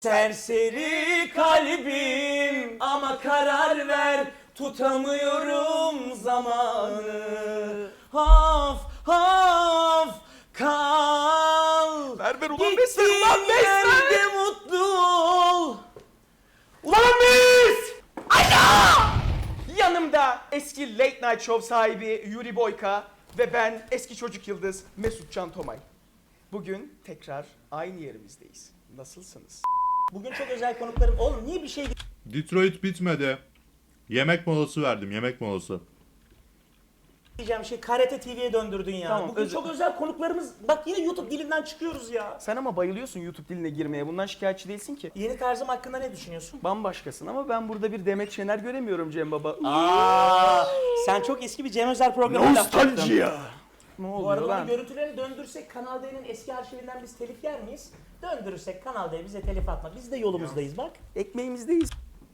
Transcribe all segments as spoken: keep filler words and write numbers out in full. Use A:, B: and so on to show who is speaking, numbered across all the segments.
A: Serseri kalbim ama karar ver, tutamıyorum zamanı. Haf haf kal.
B: Ver ver ulan beş ver ulan
A: Gittiğin
B: beş ver.
A: yerde mutlu ol.
B: Ulan biz! Alo! Yanımda eski Late Night Show sahibi Yuri Boyka ve ben eski çocuk yıldız Mesut Can Tomay. Bugün tekrar aynı yerimizdeyiz. Nasılsınız?
A: Bugün çok özel konuklarım. Oğlum niye bir şey
C: Detroit bitmedi. Yemek molası verdim, yemek molası.
A: diyeceğim şey K R T T V'ye döndürdün ya.
B: Tamam,
A: Bugün
B: özel-
A: çok özel konuklarımız. Bak yine YouTube dilinden çıkıyoruz ya.
B: Sen ama bayılıyorsun YouTube diline girmeye. Bundan şikayetçi değilsin ki.
A: Yeni tarzım hakkında ne düşünüyorsun?
B: Bambaşkasın ama ben burada bir Demet Şener göremiyorum Cem Baba.
A: Aa, sen çok eski bir Cem Özer programı yapacaktın.
B: ya. Ne
A: Bu
B: oluyor
A: arada
B: lan?
A: görüntülerini döndürsek Kanal D'nin eski arşivinden biz telif yer miyiz? Döndürürsek Kanal D bize telif atma. Biz de yolumuzdayız bak.
B: Ekmeğimizdeyiz.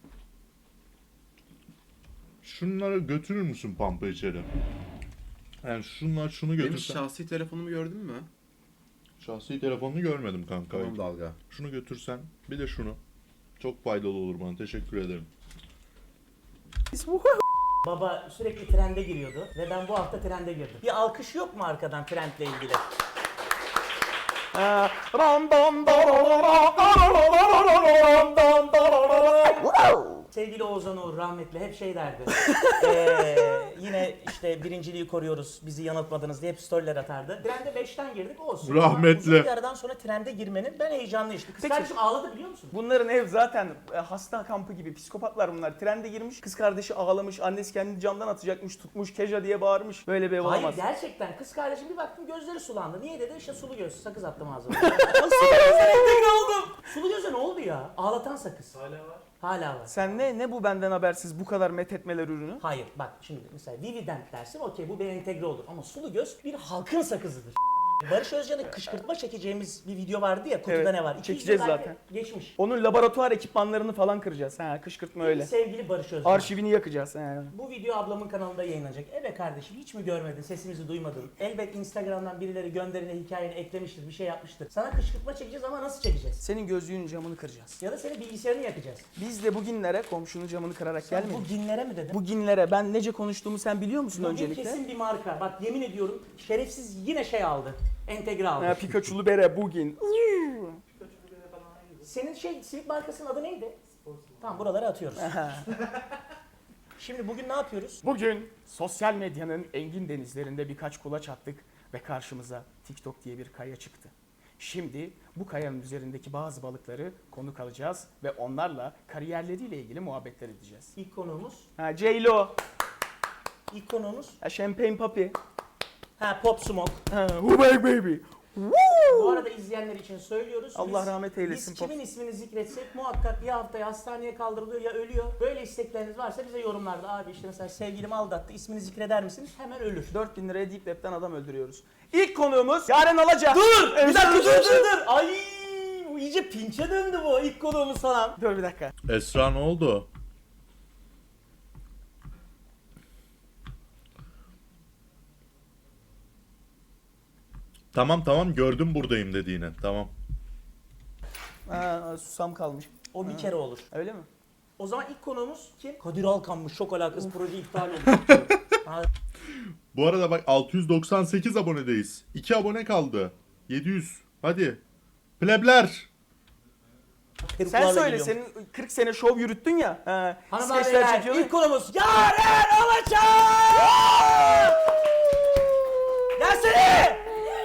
C: Şunları götürür müsün pampa içeri? Yani şunlar şunu
D: Benim
C: götürsen.
D: şahsi telefonumu gördün mü?
C: Şahsi telefonunu görmedim kanka.
D: Tamam dalga.
C: Şunu götürsen, bir de şunu. Çok faydalı olur bana. Teşekkür ederim.
A: Baba sürekli trende giriyordu ve ben bu hafta trende girdim. Bir alkış yok mu arkadan trendle ilgili? Sevgili Oğuzhan Uğur rahmetli hep şey derdi. Ee, yine işte birinciliği koruyoruz, bizi yanıltmadınız diye hep storyler atardı. Trende beşten girdik olsun. Ama
C: Rahmetli.
A: uzun bir aradan sonra trende girmenin ben heyecanlı işte. Kız
B: Peki.
A: kardeşim ağladı biliyor musun?
B: Bunların ev zaten e, hasta kampı gibi psikopatlar bunlar. Trende girmiş, kız kardeşi ağlamış, annesi kendini camdan atacakmış, tutmuş, Keja diye bağırmış. Böyle bir ev
A: Hayır
B: olamaz.
A: gerçekten kız kardeşim bir baktım gözleri sulandı. Niye dedi? İşte sulu göz sakız attım ağzıma. Sulu gözle entegre oldum. Sulu göze ne oldu ya? Ağlatan sakız. Hala var. Hala var.
B: Sen ne ne bu benden habersiz bu kadar methetmeler ürünü?
A: Hayır bak şimdi mesela Vivident dersin okey bu bir entegre olur ama sulu göz bir halkın sakızıdır. Barış Özcan'ı kışkırtma çekeceğimiz bir video vardı ya kutuda
B: Evet,
A: ne var? İki yüz
B: çekeceğiz
A: yıl belki
B: zaten.
A: Geçmiş.
B: Onun laboratuvar ekipmanlarını falan kıracağız. Ha, kışkırtma öyle.
A: Sevgili Barış Özcan.
B: Arşivini yakacağız. Ha.
A: Bu video ablamın kanalında yayınlanacak. Evet kardeşim hiç mi görmedin, sesimizi duymadın? Elbet Instagram'dan birileri gönderine hikayeni eklemiştir, bir şey yapmıştır. Sana kışkırtma çekeceğiz ama nasıl çekeceğiz?
B: Senin gözlüğünün camını kıracağız.
A: Ya da senin bilgisayarını yakacağız.
B: Biz de bugünlere komşunun camını kırarak
A: Sen
B: gelmedik.
A: bu ginlere mi dedin?
B: Bugünlere ben nece konuştuğumu sen biliyor musun
A: Bugün
B: öncelikle?
A: kesin bir marka. Bak yemin ediyorum şerefsiz yine şey aldı. Entegre aldı.
B: Ha, Pikachu'lu bere bugün.
A: Senin şey simit markasının adı neydi? Tamam buraları atıyoruz. Şimdi bugün ne yapıyoruz?
B: Bugün sosyal medyanın engin denizlerinde birkaç kulaç attık ve karşımıza TikTok diye bir kaya çıktı. Şimdi bu kayanın üzerindeki bazı balıkları konuk alacağız ve onlarla kariyerleriyle ilgili muhabbetler edeceğiz.
A: İlk konuğumuz.
B: Ha, J-Lo,
A: İlk konuğumuz.
B: ha, Champagne Papi,
A: Ha Pop Smoke.
B: ha, Hubey Baby.
A: Bu arada izleyenler için söylüyoruz.
B: Allah
A: Biz-
B: rahmet eylesin
A: Biz
B: Pop.
A: kimin ismini zikretsek muhakkak ya haftaya hastaneye kaldırılıyor ya ölüyor. Böyle istekleriniz varsa bize yorumlarda abi işte mesela sevgilim aldattı ismini zikreder misiniz? Hemen ölür.
B: dört bin liraya Deep Web'den adam öldürüyoruz. İlk konuğumuz Yaren Alaca.
A: Dur!
B: Evet,
A: Bir dakika
B: dur,
A: dur
B: dur,
A: dur dur! Ay bu iyice pinçe döndü bu ilk konuğumuz falan.
B: Dur bir dakika.
C: Esra ne oldu? Tamam tamam gördüm buradayım dediğini. Tamam.
B: Ha, susam kalmış.
A: O bir kere olur.
B: Öyle mi?
A: O zaman ilk konuğumuz kim? Kadir Alkan'mış. Çok alakası proje iptal oldu. Ha,
C: Bu arada bak altı yüz doksan sekiz abonedeyiz. iki abone kaldı. yedi yüz. Hadi. Plebler.
B: Sen
A: peruklarla
B: söyle,
A: geliyorum.
B: senin kırk sene şov yürüttün ya. Ha,
A: Hanımlar
B: skeçler
A: beyler
B: çekiyorsun.
A: ilk konumuz Yaren Alaca! Gelsene!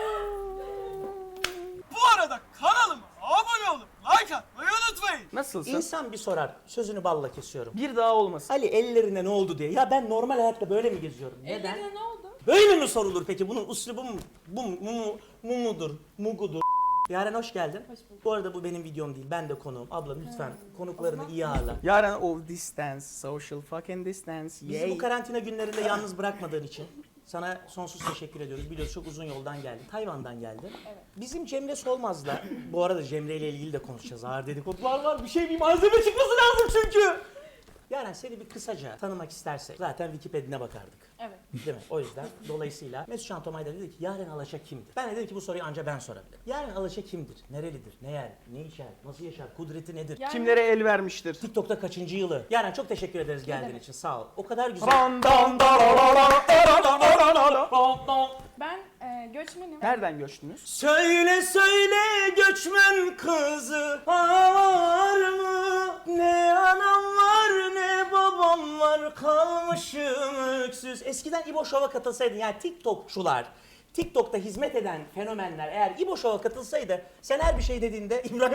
E: Bu arada kanalıma abone olup like atmayı unutmayın.
B: Nasılsın?
A: İnsan bir sorar. Sözünü balla kesiyorum.
B: Bir daha olmasın.
A: Ali ellerine ne oldu diye. Ya ben normal hayatta böyle mi geziyorum? Neden?
F: Ellerine ne oldu?
A: Böyle mi sorulur peki? Bunun uslubu mu? Bu mu, mu, mu, mu mudur? Mugudur? Yaren hoş geldin.
F: Hoş bulduk.
A: Bu arada bu benim videom değil. Ben de konuğum. Abla lütfen konuklarını iyi ağırla.
B: Yaren o distance, social fucking distance,
A: Bizi
B: yay.
A: bu karantina günlerinde yalnız bırakmadığın için sana sonsuz teşekkür ediyoruz. Biliyorsun çok uzun yoldan geldin. Tayvan'dan geldin.
F: Evet.
A: Bizim Cemre Solmaz'la, bu arada Cemre ile ilgili de konuşacağız. Ağır dedikodular var. Bir şey bir malzeme çıkması lazım çünkü. Yaren seni bir kısaca tanımak istersek zaten Wikipedia'na bakardık.
D: Evet.
A: Değil mi? O yüzden dolayısıyla Mesut Can Tomay da dedi ki Yaren Alaşa kimdir? Ben de dedim ki bu soruyu ancak ben sorabilirim. Yaren Alaşa kimdir? Nerelidir? Ne yer? Ne içer? Nasıl yaşar? Kudreti nedir?
D: Yani-
B: Kimlere el vermiştir?
A: TikTok'ta kaçıncı yılı? Yaren çok teşekkür ederiz geldiğin
D: demek.
A: için. Sağ ol. O kadar güzel.
B: Dan dan da la la la la la la la la.
D: Ben e, göçmenim.
B: Nereden göçtünüz?
A: Söyle söyle göçmen kızı var mı? Ne anam var ne babam var kalmışım öksüz. Eskiden İbo Show'a katılsaydın yani TikTokçular, TikTok'ta hizmet eden fenomenler eğer İbo Show'a katılsaydı sen her bir şey dediğinde İbrahim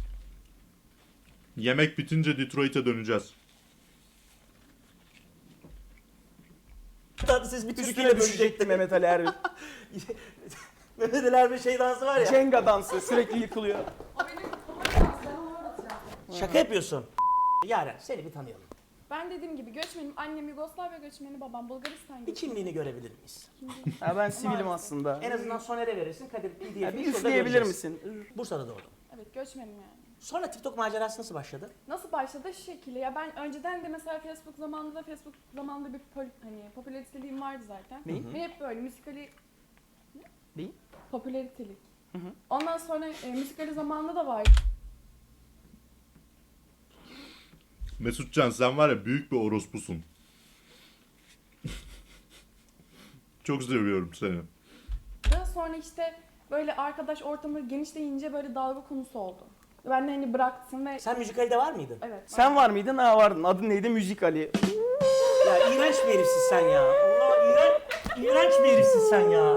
C: Yemek bitince Detroit'e döneceğiz.
A: Tatlısız bir
B: Üstüne
A: Türkiye'yle
B: düşecekti
A: bölecekti.
B: Mehmet Ali Erbil.
A: Mehmet Ali Erbil şey dansı var ya.
B: Jenga dansı sürekli yıkılıyor.
D: O benim favori dans, ben onu öğreteceğim.
A: Şaka yapıyorsun. Yaren seni bir tanıyalım.
D: Ben dediğim gibi göçmenim. Annem Yugoslavya göçmeni, babam Bulgaristan
A: Bir
D: göçmeni.
A: kimliğini görebilir miyiz?
B: Ha, ben sivilim aslında.
A: En azından Soner'e verirsin. Kadir P D
B: Ya
A: F'i
B: bir
A: şurada
B: üfleyebilir
A: göreceğiz.
B: misin?
A: Bursa'da doğdum.
D: Evet, göçmenim yani.
A: Sonra TikTok macerası nasıl başladı?
D: Nasıl başladı şu şekilde ya, ben önceden de mesela Facebook zamanında Facebook zamanında bir pol, hani popülariteliğim vardı zaten.
B: Neyi?
D: Ve hep böyle müzikali
B: Neyi?
D: popülaritelik.
B: Hı hı.
D: Ondan sonra e, müzikali zamanında da vardı.
C: Mesutcan sen var ya büyük bir orospusun. Çok seviyorum seni.
D: Sonra işte böyle arkadaş ortamı genişleyince böyle dalga konusu oldu. Ben de hani bıraktım ve
A: Sen müzikalde var mıydın?
D: evet.
B: Sen var mıydın? Ha vardın. Adın neydi? Müzik Ali.
A: Ya iğrenç bir herifsin sen ya. Allah iğrenç, iğrenç bir herifsin sen ya.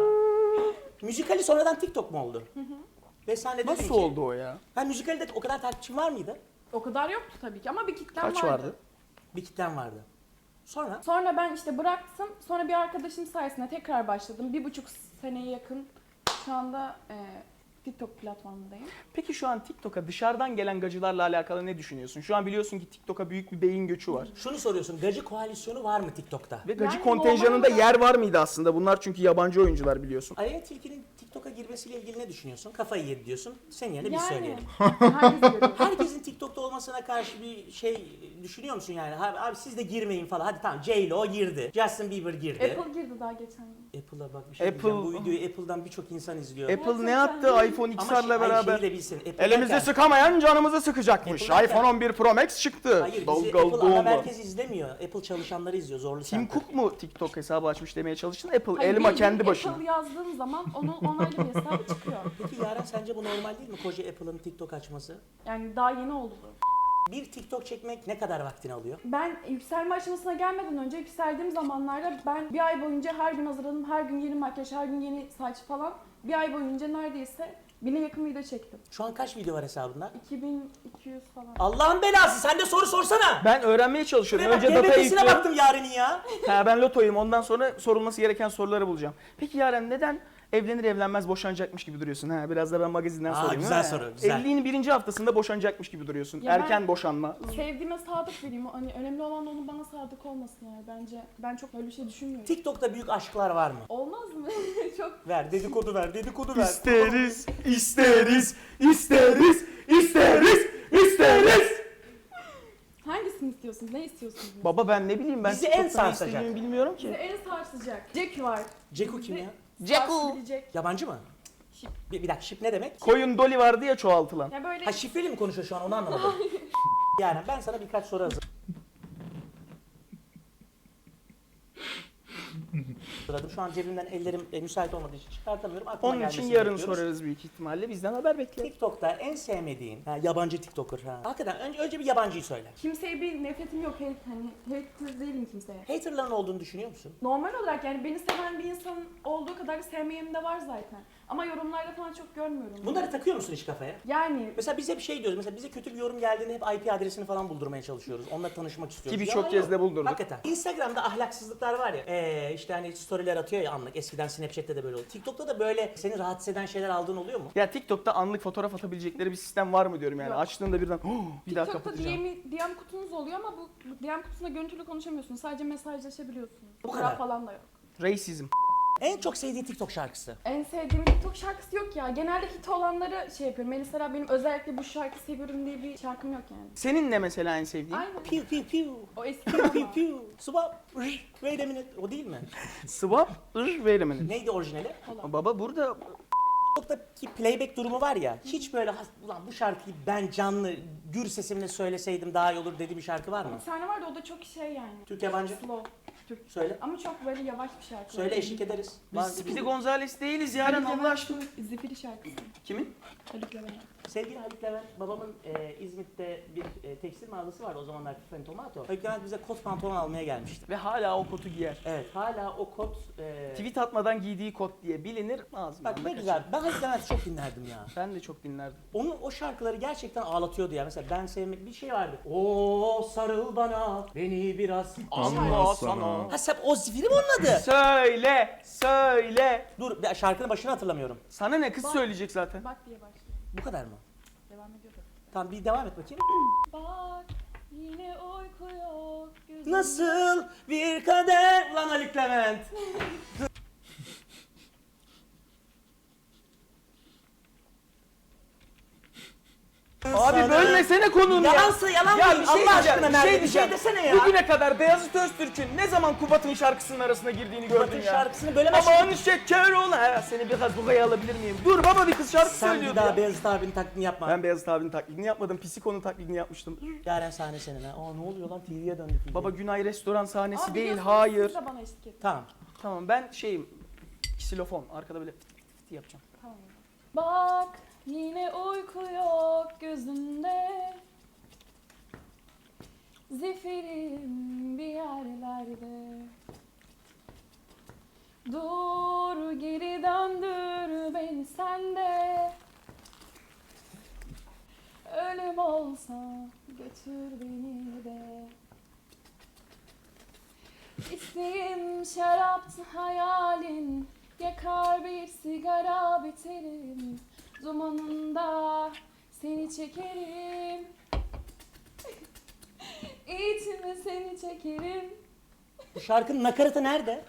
A: Müzikali sonradan TikTok mu oldu? Hı hı. Ve sen de dedin
B: Nasıl
A: ki...
B: oldu o ya?
A: Ha müzikalde o kadar takipçin var mıydı?
D: O kadar yoktu tabii ki ama bir kitlem
B: Kaç
D: vardı.
B: vardı?
A: Bir kitlen vardı. Sonra?
D: Sonra ben işte bıraktım. Sonra bir arkadaşım sayesinde tekrar başladım. Bir buçuk seneye yakın şu anda e, TikTok platformundayım.
B: Peki şu an TikTok'a dışarıdan gelen gacılarla alakalı ne düşünüyorsun? Şu an biliyorsun ki TikTok'a büyük bir beyin göçü var.
A: Şunu soruyorsun. Gacı koalisyonu var mı TikTok'ta?
B: Ve gacı
D: Yani
B: kontenjanında
D: normal
B: yer var mıydı aslında? Bunlar çünkü yabancı oyuncular biliyorsun.
A: Aleyna Tilki'nin TikTok'a girmesiyle ilgili ne düşünüyorsun? Kafayı yedi diyorsun. Senin yerine biz
D: Yani
A: söyleyelim.
D: herkes görüyor.
A: Herkesin TikTok'ta olmasına karşı bir şey düşünüyor musun yani? Abi, abi siz de girmeyin falan. Hadi tamam J-Lo girdi. Justin Bieber girdi.
D: Apple girdi daha geçen gün.
A: Apple'a bak bir şey
B: Apple-
A: diyeceğim. Bu videoyu Apple'dan birçok insan izliyor.
B: Apple ne
D: Gerçekten.
B: yaptı iPhone
A: Ama
B: X R'la
A: şey- hayır,
B: beraber?
A: şeyi de bilsin. Apple
B: Elimizde
A: derken-
B: sıkamayan canımızı sıkacakmış.
A: Apple derken-
B: iPhone on bir Pro Max çıktı.
A: Hayır bizi
B: Dalgalı
A: Apple ana
B: doğumlu.
A: merkez izlemiyor. Apple çalışanları izliyor. Zorlu
B: Tim
A: Center.
B: Cook mu TikTok hesabı açmış demeye çalıştın? Apple
D: Hayır,
B: elma
D: bildiğin
B: kendi başına.
D: Apple yazdığın zaman onun onaylı bir hesabı çıkıyor.
A: Peki Yaren sence bu normal değil mi? Koca Apple'ın TikTok açması.
D: Yani daha yeni oldu bu.
A: Bir TikTok çekmek ne kadar vaktini alıyor?
D: Ben yükselme aşamasına gelmeden önce yükseldiğim zamanlarda ben bir ay boyunca her gün hazırladım. Her gün yeni makyaj, her gün yeni saç falan. Bir ay boyunca neredeyse bine yakın video çektim.
A: Şu an kaç video var hesabında?
D: iki bin iki yüz falan.
A: Allah'ın belası sen de soru sorsana.
B: Ben öğrenmeye çalışıyorum.
A: Buraya bak,
B: Önce datayı
A: G B T'sine
B: yüklüyorum.
A: baktım Yaren'in ya.
B: Ha, ben lotoyum. Ondan sonra sorulması gereken soruları bulacağım. Peki Yaren neden evlenir evlenmez boşanacakmış gibi duruyorsun? Ha, biraz da ben magazinden
A: Aa,
B: sorayım.
A: güzel
B: ha?
A: soru, güzel.
B: Evliliğin birinci haftasında boşanacakmış gibi duruyorsun.
D: Ya ben-
B: Erken boşanma.
D: Sevdiğime sadık vereyim. Hani önemli olan onun bana sadık olması yani. Bence ben çok öyle bir şey düşünmüyorum.
A: TikTok'ta büyük aşklar var mı?
D: Olmaz mı? Çok
A: Ver dedikodu ver dedikodu ver.
B: İsteriz, isteriz, isteriz, isteriz, isteriz.
D: hangisini istiyorsunuz? Ne istiyorsunuz?
B: Baba ben ne bileyim ben
A: Bizi en
B: TikTok'ta ne
A: sarsacak.
B: istediğimi bilmiyorum
D: Size
B: ki.
D: en sarsacak. Jack var.
A: Ceku kim ya?
D: Sarsabilecek.
A: Yabancı mı?
D: Şip.
A: Bir, bir dakika şip ne demek?
B: Koyun Dolly vardı ya çoğaltılan.
D: Ya böyle
A: Ha şifreli mi konuşuyor şu an onu anlamadım. Yani ben sana birkaç soru hazır. Sırada şu an cebimden ellerim e, müsait olmadığı için çıkartamıyorum. Aklıma
B: Onun için
A: gelmesini
B: yarın
A: bekliyoruz.
B: sorarız büyük ihtimalle. Bizden haber bekle.
A: TikTok'ta en sevmediğin ha, yabancı TikToker ha. Hakikaten önce, önce bir yabancıyı söyle.
D: kimseye bir nefretim yok. Hate, hani hater değilim kimseye.
A: Haterların olduğunu düşünüyor musun?
D: Normal olarak yani beni seven bir insanın olduğu kadar da sevmeyenim de var zaten. Ama yorumlarda falan çok görmüyorum.
A: Bunları takıyor musun hiç kafaya?
D: Yani
A: Mesela biz hep şey diyoruz. Mesela bize kötü bir yorum geldiğinde hep I P adresini falan buldurmaya çalışıyoruz. Onunla tanışmak istiyoruz.
B: Ki birçok
A: Yalan
B: kez
A: yok.
B: de buldurduk.
A: Hakikaten. Instagram'da ahlaksızlıklar var ya. Ee, işte hani storyler atıyor ya anlık. Eskiden Snapchat'te de böyle oldu. TikTok'ta da böyle seni rahatsız eden şeyler aldığın oluyor mu?
B: Ya TikTok'ta anlık fotoğraf atabilecekleri bir sistem var mı diyorum yani.
D: Yok.
B: Açtığında birden "Oh, bir daha
D: TikTok'ta
B: kapatacağım.
D: D M, D M kutunuz oluyor ama bu bu D M kutusunda görüntülü konuşamıyorsunuz. Sadece mesajlaşabiliyorsunuz.
A: Bu
D: Fotoğraf
A: kadar.
D: falan da yok.
B: Racism.
A: En çok sevdiğin TikTok şarkısı.
D: En sevdiğim TikTok şarkısı yok ya. Genelde hit olanları şey yapıyorum. Mesela benim özellikle bu şarkı seviyorum diye bir şarkım yok yani.
B: Senin ne mesela en sevdiğin?
D: Aynen.
A: Piu piu piu.
D: O eski
A: Piu piu
D: ama.
A: piu. Swap. Wait a minute. O değil mi?
B: Swap, ır, verimini.
A: Neydi orijinali?
B: Baba burada
A: TikTok'taki playback durumu var ya, hiç böyle has- ulan bu şarkıyı ben canlı gür sesimle söyleseydim daha iyi olur dediği bir şarkı var mı?
D: Bir tane vardı o da çok şey yani.
A: Türk yabancı.
D: Slow. Türk.
A: Söyle.
D: Ama çok böyle yavaş bir şarkı.
A: Söyle eşlik ederiz.
B: biz
A: Var-
B: Speedy Gonzales değiliz Yaren Allah aşkına.
D: Zifiri şarkısı.
B: Kimin?
D: Haluk Levent.
A: Sevgili Haluk Levent, babamın e, İzmit'te bir e, tekstil mağazası vardı o zamanlar Tiffany Tomato. Haluk Levent bize kot pantolon almaya gelmişti.
B: Ve hala o kotu giyer.
A: Evet, hala o kot... E,
B: Tweet atmadan giydiği kot diye bilinir. Ağzımdan
A: Bak
B: da
A: ne
B: kaçar.
A: güzel, ben Haluk Levent'i çok dinlerdim ya.
B: Ben de çok dinlerdim.
A: Onun o şarkıları gerçekten ağlatıyordu ya. Mesela ben sevmek bir şey vardı. Oo sarıl bana, beni biraz
C: Anla sana.
A: Ha sen o zifiri mi onun adı?
B: Söyle, söyle.
A: Dur, ben şarkının başını hatırlamıyorum.
B: Sana ne kız
D: Bak.
B: söyleyecek zaten.
D: Bak diye başlıyor.
A: Bu kadar mı?
D: Devam ediyor da.
A: Tamam bir devam et bakayım.
D: Bak yine uyku yok gözümde.
A: Nasıl bir kader lan Haluk Levent.
B: Abi bölmesene konuğunu ya.
A: Yalansa yalan
B: Ya
A: değil.
B: bir şey
A: Allah
B: diyeceğim,
A: aşkına
B: bir
A: Merve,
B: şey
A: bir şey
B: diyeceğim.
A: desene ya.
B: Bugüne kadar Beyazıt Öztürk'ün ne zaman Kubat'ın şarkısının arasına girdiğini gördün
A: Kubat'ın
B: ya.
A: şarkısını bölemezsin.
B: Aman şeker ol. Ha, seni biraz buraya alabilir miyim? Dur baba bir kız şarkı
A: Sen
B: söylüyordu
A: bir daha
B: ya.
A: Beyazıt abinin taklidini yapma.
B: Ben Beyazıt abinin taklidini yapmadım. Pisiko'nun taklidini yapmıştım.
A: Yaren sahne senin ha. Aa ne oluyor lan T V'ye döndü T V.
B: Baba Günay restoran sahnesi
D: Aa,
B: değil.
D: biliyorsunuz,
B: Hayır.
D: Siz de bana eşlik edin.
A: Tamam.
B: Tamam ben şeyim. Ksilofon. Arkada böyle fıt fıt fıt yapacağım.
D: Tamam. Bak yine uyku yok gözümde. Zifirim bir yerlerde. Dur geri döndür beni sende. Ölüm olsa götür beni de. İsteğim şaraptı hayalin. Yakar bir sigara biterim. Dumanında seni çekerim. İçime seni çekerim.
A: Bu şarkının nakaratı nerede?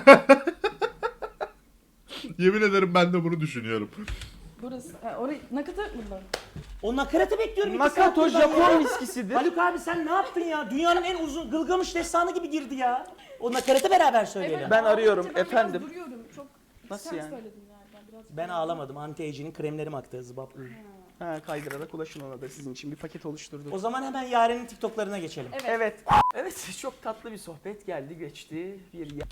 C: Yemin ederim ben de bunu düşünüyorum.
D: Burası. Ha, orayı nakıtı burada.
A: O nakaratı bekliyorum. iki
B: Makato
A: saattir ben ya.
B: Japon viskisidir.
A: Haluk abi sen ne yaptın ya? Dünyanın en uzun Gılgamış destanı gibi girdi ya. O nakaratı beraber söyleyelim.
B: Ben arıyorum,
D: ağlayınca ben
B: efendim.
D: Biraz duruyorum. Çok
B: Nasıl
D: sen
B: yani?
D: söyledin galiba. Biraz
A: Ben ağlamadım. Anti-aging'in kremlerim aktı. Zıbap.
B: Ha, kaydırarak ulaşın ona da sizin için bir paket oluşturduk.
A: O zaman hemen Yaren'in TikTok'larına geçelim.
D: Evet.
B: Evet. Evet çok tatlı bir sohbet geldi geçti. Bir ya-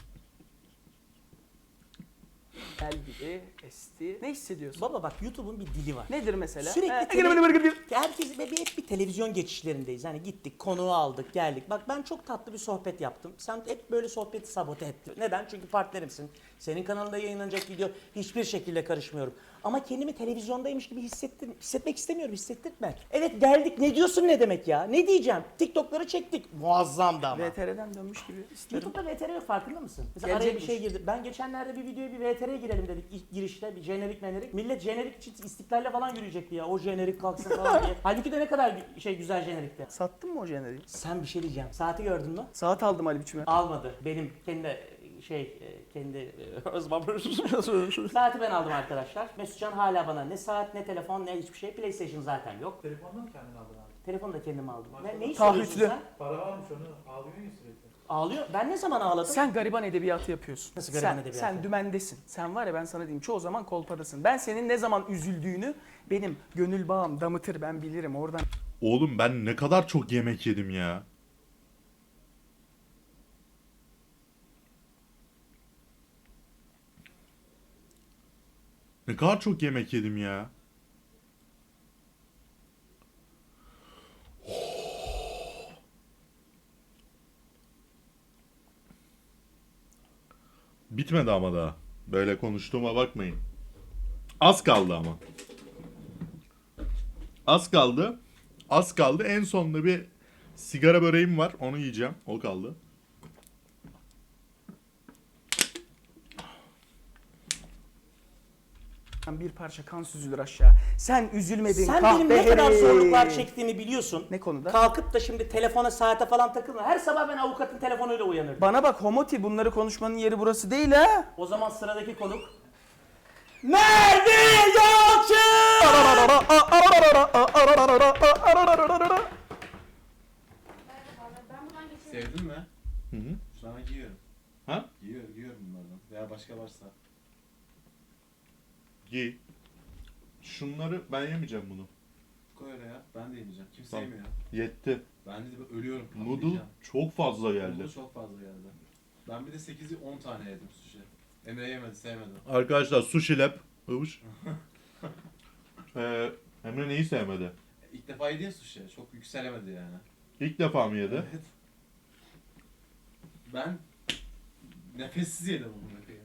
B: Gel gibi esti. Ne hissediyorsun?
A: Baba bak YouTube'un bir dili var.
B: Nedir mesela?
A: Sürekli
B: He,
A: tele-
B: gırgır gırgır gırgır.
A: Herkes ve bir- hep bir televizyon geçişlerindeyiz. Hani gittik, konuğu aldık, geldik. Bak ben çok tatlı bir sohbet yaptım. Sen hep böyle sohbeti sabote ettin. Neden? Çünkü partnerimsin. Senin kanalında yayınlanacak video hiçbir şekilde karışmıyorum. Ama kendimi televizyondaymış gibi hissettim. Hissetmek istemiyorum, hissettirme. Evet geldik. Ne diyorsun ne demek ya? Ne diyeceğim? TikTok'ları çektik. Muazzamdı ama.
B: V T R'den dönmüş gibi isterim.
A: YouTube'da V T R yok farkında mısın? Mesela araya bir
B: Gelecekmiş.
A: şey girdi. Ben geçenlerde bir videoya bir V T R'ye girelim dedik ilk girişte bir jenerik menerik. Millet jenerik için istiklalle falan yürüyecekti ya. O jenerik kalksın falan diye. Halbuki de ne kadar gü- şey güzel jenerikti.
B: Sattın mı o jeneriği?
A: Sen bir şey diyeceğim. Saati gördün mü?
B: Saat aldım Ali biçime.
A: Almadı. Benim kendi şey e, kendi e, özmam. Saati ben aldım arkadaşlar. Mesutcan hala bana ne saat ne telefon ne hiçbir şey. PlayStation zaten yok.
F: Telefondan mı kendin aldın abi?
A: Telefonu da kendim aldım. Ne, neyi
B: Taahhütlü.
A: soruyorsun sen?
F: Para varmış onu ağlıyor ya sürekli.
A: Ağlıyor. Ben ne zaman ağladım?
B: Sen gariban edebiyatı yapıyorsun.
A: Nasıl gariban
B: sen,
A: edebiyatı?
B: Sen dümendesin. Sen var ya ben sana diyeyim çoğu zaman kolpadasın. Ben senin ne zaman üzüldüğünü benim gönül bağım damıtır ben bilirim oradan.
C: Oğlum ben ne kadar çok yemek yedim ya. Ne kadar çok yemek yedim ya. Bitmedi ama daha. Böyle konuştuğuma bakmayın. Az kaldı ama. Az kaldı. Az kaldı. En sonunda bir sigara böreğim var. Onu yiyeceğim. O kaldı.
B: Bir parça kan süzülür aşağı. Sen üzülmedin
A: Sen
B: kahpe
A: benim ne kadar
B: herif.
A: zorluklar çektiğimi biliyorsun.
B: Ne konuda?
A: Kalkıp da şimdi telefona, saate falan takılma. Her sabah ben avukatın telefonuyla uyanırdım.
B: Bana bak Homoti, bunları konuşmanın yeri burası değil ha.
A: O zaman sıradaki konuk... Merve Yalçın!
G: Sevdin mi?
C: Hı hı.
G: Sana giyiyorum.
C: Ha?
G: Giyiyorum, giyiyorum bunlardan. Veya başka varsa.
C: Giy. Şunları ben yemeyeceğim bunu.
G: Koy oraya. Ben de yemeyeceğim. Kimse
C: Tamam.
G: yemiyor.
C: Yetti.
G: Ben de ölüyorum.
C: Noodle
G: patlayacağım.
C: çok fazla geldi.
G: Noodle çok fazla geldi. Ben bir de sekizi on tane yedim sushi. Emre yemedi, sevmedi.
C: Arkadaşlar sushi lab. Övüş. ee, Emre neyi sevmedi?
G: İlk defa yediğin sushi. Çok yükselemedi yani.
C: İlk defa mı yedi?
G: Evet. Ben nefessiz yedim bunu bakayım.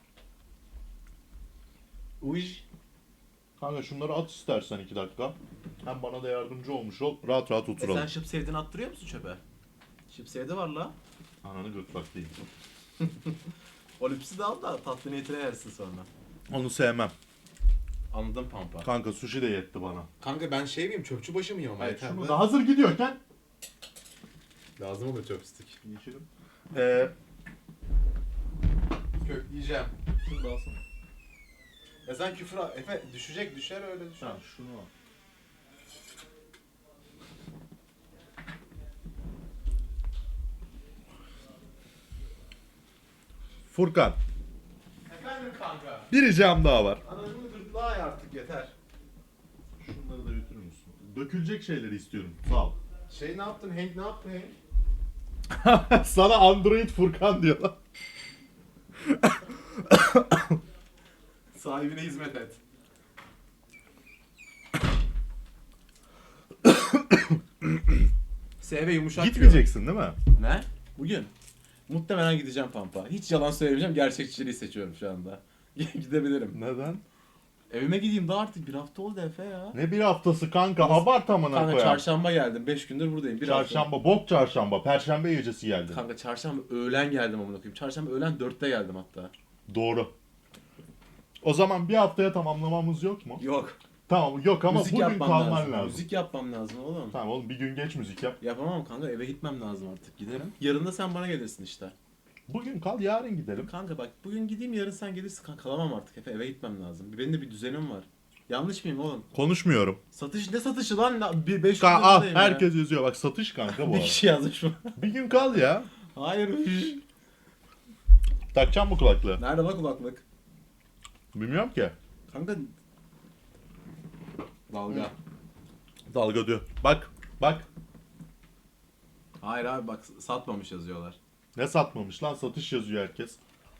G: Uj.
C: Kanka şunları at istersen iki dakika. Hem bana da yardımcı olmuş ol. Rahat rahat
G: E
C: oturalım.
G: sen şıp sevdiğini attırıyor musun çöpe? Şıp sevdi var la.
C: Ananı gırtlak değil.
G: O lüpsü de al da tatlı niyetine yersin sonra.
C: Onu sevmem.
G: Anladım pampa.
C: Kanka sushi de yetti bana.
G: Kanka ben şey miyim, çöpçü başı mıyım ama
C: Hayır,
G: yeter
C: şunu
G: mi?
C: da hazır gidiyorken
G: Lazım olur chopstick.
C: geçelim. Ee,
G: Kökleyeceğim. Şunu da alsana. Ya sen küfür al. Efe düşecek, düşer öyle düşer.
C: ha, şunu al. Furkan,
G: Efendim kanka.
C: bir ricam daha var.
G: Ananın gırtlağı ay artık yeter.
C: Şunları da götürür müsün? Dökülecek şeyleri istiyorum. Sağ ol.
G: Şey ne yaptın Hank, ne yaptın Hank?
C: Sana Android Furkan diyorlar.
G: Sahibine hizmet et. S V yumuşak
C: Gitmeyeceksin değil mi?
G: diyor. Ne? Bugün. Muhtemelen gideceğim Pampa. Hiç yalan söylemeyeceğim. Gerçekçiliği seçiyorum şu anda. Gidebilirim.
C: Neden?
G: Evime gideyim daha artık bir hafta oldu Efe ya.
C: Ne bir haftası kanka? Abart amına
G: Kanka
C: koyayım.
G: çarşamba geldim. beş gündür buradayım. Bir
C: Çarşamba, bok çarşamba, perşembe gecesi geldin.
G: hafta. Kanka çarşamba öğlen geldim amına koyayım. Çarşamba öğlen dörtte geldim hatta.
C: Doğru. O zaman bir haftaya tamamlamamız yok mu?
G: Yok.
C: Tamam yok ama
G: Müzik
C: bugün
G: yapmam
C: kalman
G: lazım.
C: lazım.
G: Müzik yapmam lazım oğlum.
C: Tamam oğlum bir gün geç müzik yap.
G: Yapamam kanka, eve gitmem lazım artık. Giderim. Yarın da sen bana gelirsin işte.
C: Bugün kal yarın gidelim.
G: Kanka bak bugün gideyim, yarın sen gelirsin. Kanka kalamam artık Efe, eve gitmem lazım. Benim de bir düzenim var. Yanlış mıyım oğlum?
C: Konuşmuyorum.
G: Satış ne satışı lan? Na- Bir beş
C: Ka
G: yüz
C: ah
G: buradayım ya.
C: herkes yazıyor bak satış kanka bu
G: Bir
C: arada.
G: kişi yazmış mı?
C: Bir gün kal ya.
G: Hayır.
C: Takacağım bu kulaklığı.
G: Nerede bak kulaklık?
C: Bilmiyorum ki.
G: Kanka dalga.
C: Dalga diyor. Bak bak.
G: Hayır abi bak satmamış yazıyorlar.
C: Ne satmamış lan satış yazıyor herkes.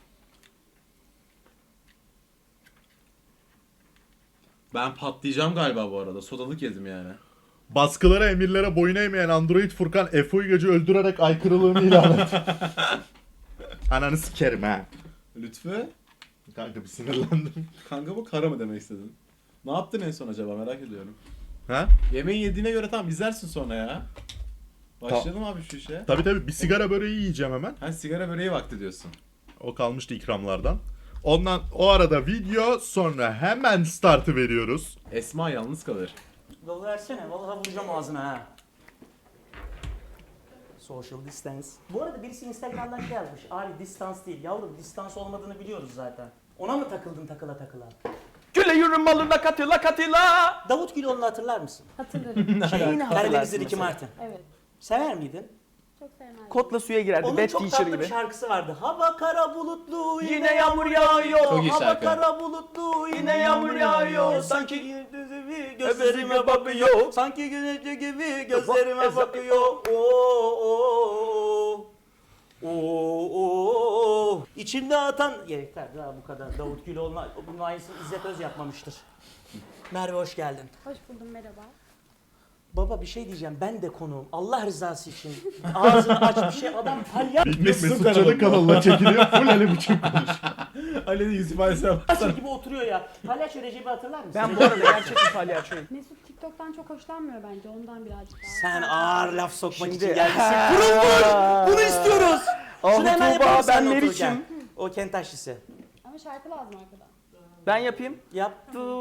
G: Ben patlayacağım galiba bu arada. Sodalık yedim yani.
C: Baskılara emirlere boyun eğmeyen Android Furkan Efe Uygacı öldürerek aykırılığını ilan etti. Ananı sikerim ha.
G: Lütfü.
C: Kanka bir sinirlendim.
G: Kanka bu kara mı demek istedin? Ne yaptın en son acaba, merak ediyorum.
C: Ha?
G: Yemeği yediğine göre tamam izlersin sonra ya. Başlayalım abi şu işe.
C: Tabi tabi bir sigara böreği yiyeceğim hemen.
G: Ha sigara böreği vakti diyorsun.
C: O kalmıştı ikramlardan. Ondan o arada video sonra hemen startı veriyoruz.
G: Esma yalnız kalır.
A: Dolu versene. Vallahi vuracağım ağzına ha. Social distance. Bu arada birisi Instagram'dan şey yazmış. Abi distans değil. Yavrum distans olmadığını biliyoruz zaten. Ona mı takıldın takıla takıla?
B: Güle yürü malına katıla katıla.
A: Davut Güloğlu'nu hatırlar mısın?
D: Hatırlarım.
A: Şey,
B: hatırlarsın
A: Karadeniz'de Ricky
B: mesela.
A: Martin.
D: Evet.
A: Sever miydin?
D: Çok sevmem.
B: Kotla suya girerdi.
A: Onun
B: Bad
A: çok
B: Teacher
A: tatlı
B: gibi.
A: bir şarkısı vardı. Hava kara bulutlu yine,
B: Yine
A: yağmur yağıyor.
G: Çok iyi
A: Hava
G: şarkı.
A: kara bulutlu yine
B: Yine
A: yağmur
B: yağmur
A: yağıyor.
B: yağıyor.
A: Sanki gözlerime, gözlerime
B: Gözlerime
A: bakıyor.
B: bakıyor.
A: Sanki güneşi gibi gözlerime
B: Bak-
A: bakıyor. Oo oo oo oo. İçimde atan yeter daha bu kadar. Davut Güloğlu'na bunun aynısını İzzet Öz yapmamıştır. Merve hoş geldin.
H: Hoş buldum, merhaba.
A: Baba bir şey diyeceğim. Ben de konuğum. Allah rızası için. Ağzını aç bir şey. Adam palyaço.
C: Bilmek Mesut Çalı kanalına çekiliyor. Full Ali biçim konuş.
G: Ali'nin yüz ifadesine baksana.
A: gibi oturuyor ya. Palyaço Recep'i hatırlar mısın?
B: Ben bu arada gerçek bir palyaçoyum.
H: Mesut TikTok'tan çok hoşlanmıyor bence, ondan birazcık daha.
A: Sen ağır laf sokmak
B: Şimdi-
A: için gelmişsin. Pırıl pırıl. Bunu istiyoruz.
B: Ah
A: Şunu hemen
B: Tuğba,
A: yapalım
B: ben
A: seninle
B: ne
A: otururken.
B: biçim?
A: O kent taşlısı.
H: Ama şarkı lazım arkadan.
B: Ben yapayım.
A: Yap.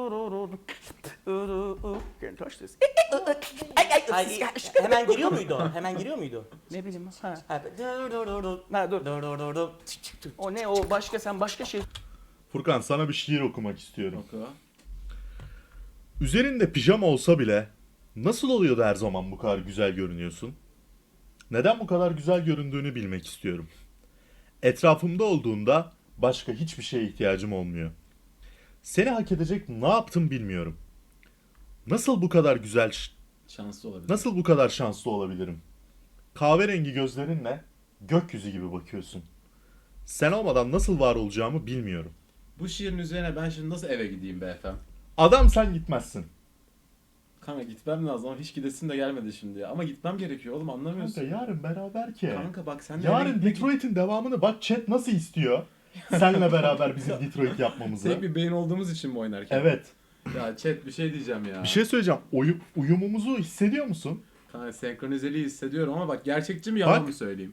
B: Can't touch this.
A: Ay, hemen giriyor muydu o? Hemen giriyor muydu?
B: Ne bileyim. Ha.
A: Ha, dur dur dur dur.
B: Ha dur.
A: Dur dur dur dur.
B: O ne o başka sen başka şey.
C: Furkan sana bir şiir okumak istiyorum.
G: Oku.
C: Üzerinde pijama olsa bile nasıl oluyor da her zaman bu kadar güzel görünüyorsun? Neden bu kadar güzel göründüğünü bilmek istiyorum. Etrafımda olduğunda başka hiçbir şeye ihtiyacım olmuyor. Seni hak edecek ne yaptım bilmiyorum. Nasıl bu kadar güzel,
G: Şanslı olabilir.
C: nasıl bu kadar şanslı olabilirim? Kahverengi gözlerinle gökyüzü gibi bakıyorsun. Sen olmadan nasıl var olacağımı bilmiyorum.
G: Bu şiirin üzerine ben şimdi nasıl eve gideyim be efendim?
C: Adam sen gitmezsin.
G: Kanka gitmem lazım ama hiç gidesin de gelmedi şimdi ya. Ama gitmem gerekiyor oğlum anlamıyorsun.
C: Kanka yarın beraber ki.
G: Kanka bak sen de eve
C: Yarın
G: gitmek-
C: Detroit'in devamını bak chat nasıl istiyor? Senle beraber bizim Detroit yapmamızı.
G: Tek bir beyin olduğumuz için mi oynarken?
C: Evet.
G: Ya chat bir şey diyeceğim ya.
C: Bir şey söyleyeceğim. Uyu- uyumumuzu hissediyor musun?
G: Kanka senkronizeliği hissediyorum ama bak gerçekçi mi yalan
C: Bak.
G: mı söyleyeyim?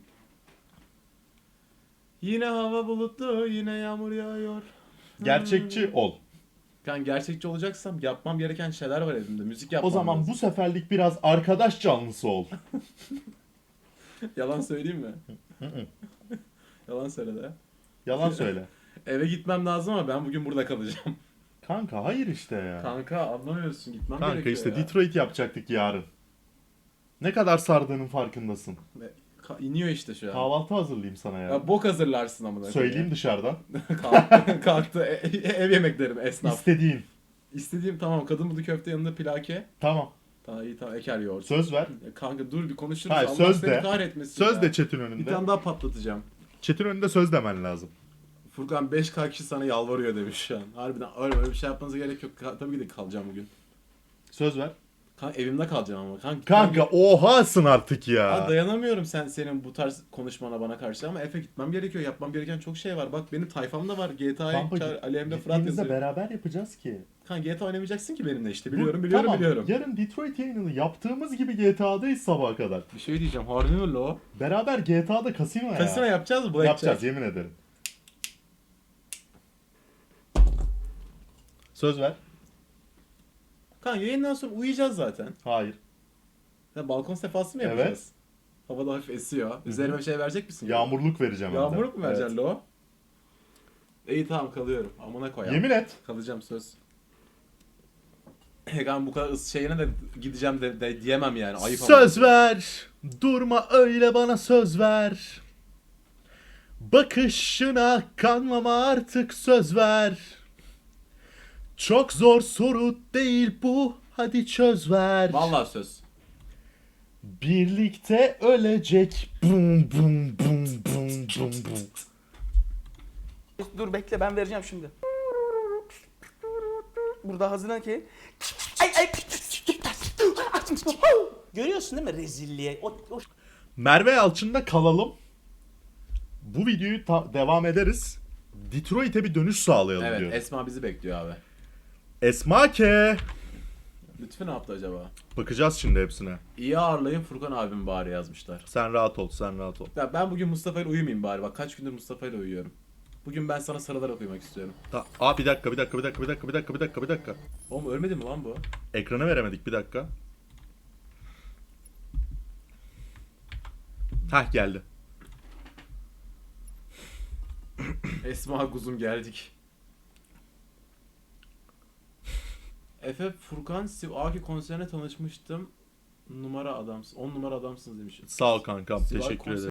G: Yine hava bulutlu, yine yağmur yağıyor.
C: Gerçekçi ol.
G: Ben gerçekçi olacaksam yapmam gereken şeyler var elimde. Müzik yapmam
C: O zaman
G: lazım.
C: bu seferlik biraz arkadaş canlısı ol.
G: Yalan söyleyeyim mi? Yalan söyle de.
C: Yalan söyle.
G: Eve gitmem lazım ama ben bugün burada kalacağım.
C: Kanka hayır işte ya.
G: Kanka anlamıyorsun gitmem
C: Kanka
G: gerekiyor
C: işte
G: ya.
C: Detroit yapacaktık yarın. Ne kadar sardığının farkındasın.
G: Ve ka- iniyor işte şu an.
C: Kahvaltı hazırlayayım sana ya.
G: Ya bok hazırlarsın amına koyayım.
C: Söyleyeyim dışarıdan.
G: Kalktı, kalktı. E- e- ev yemeklerim esnaf.
C: İstediğin.
G: İstediğim tamam kadın budu köfte yanında plake.
C: Tamam.
G: Tamam iyi tamam eker yoğurt.
C: Söz ver.
G: Ya kanka dur bir konuşuruz.
C: Hayır,
G: Allah
C: söz
G: seni
C: de.
G: kahretmesin
C: Söz
G: ya.
C: de chat'in
G: Bir
C: önünde.
G: tane daha patlatacağım.
C: Chat'in önünde söz demen lazım.
G: Furkan beş K kişi sana yalvarıyor demiş şu an. Harbiden öyle, öyle bir şey yapmanıza gerek yok. Ka- tabii ki de kalacağım bugün.
C: Söz ver.
G: Kanka evimde kalacağım ama. Kanka,
C: Kanka ohasın artık ya.
G: Ha, dayanamıyorum sen senin bu tarz konuşmana bana karşı ama Efe gitmem gerekiyor. Yapmam gereken çok şey var. Bak benim tayfamda var. G T A'yı
C: Kanka,
G: çağır, Ali Emre Fırat
C: gittiğimizde
G: yazıyor.
C: beraber yapacağız ki.
G: Kanka G T A oynamayacaksın ki benimle işte.
C: Bu-
G: Biliyorum biliyorum
C: tamam,
G: biliyorum.
C: Yarın Detroit yayınını yaptığımız gibi G T A'dayız sabaha kadar.
G: Bir şey diyeceğim. Harbi mi lo?
C: Beraber G T A'da kasino ya.
G: Kasino yapacağız mı? Blackjack?
C: Yapacağız yemin ederim. Söz ver.
G: Kanka yayından sonra uyuyacağız zaten.
C: Hayır.
G: Ya balkon sefası mı
C: Evet.
G: yapacağız? Havada hafif esiyor. Üzerime bir şey verecek misin?
C: Yağmurluk vereceğim. hem de.
G: Yağmurluk mu vereceksin
C: Evet.
G: lo? İyi tamam kalıyorum. Amına koyayım.
C: Yemin et.
G: Kalacağım söz. Kanka bu kadar ıs şeyine de gideceğim de, de diyemem yani. Ayıp ama.
C: Söz ver. Durma öyle bana söz ver. Bakışına kanmama artık söz ver. Çok zor soru değil bu. Hadi çöz ver.
G: Vallahi söz.
C: Birlikte ölecek. Bum bum bum bum bum bum.
B: Dur bekle ben vereceğim şimdi. Burada hazırlan ki. Ay ay.
A: Görüyorsun değil mi rezilliği? O, o...
C: Merve Yalçın'da kalalım. Bu videoyu ta- devam ederiz. Detroit'e bir dönüş sağlayalım
G: Evet
C: diyorum.
G: Esma bizi bekliyor abi.
C: Esma Ke.
G: Lütfü ne yaptı acaba?
C: Bakacağız şimdi hepsine.
G: İyi ağırlayın Furkan abim bari yazmışlar.
C: Sen rahat ol, sen rahat ol.
G: Ya ben bugün Mustafa ile uyumayayım bari. Bak kaç gündür Mustafa ile uyuyorum. Bugün ben sana sarılarak uyumak istiyorum.
C: Ta- Aa bir dakika, bir dakika, bir dakika, bir dakika, bir dakika, bir dakika, bir dakika.
G: Oğlum ölmedi mi lan bu?
C: Ekrana veremedik bir dakika. Hah geldi.
G: Esma kuzum geldik. Efe Furkan Sivaki konserine tanışmıştım. Numara adamsın. on numara adamsınız demiş.
C: Sağ ol kankam,
G: Sivay
C: teşekkür
G: konser-
C: ederim.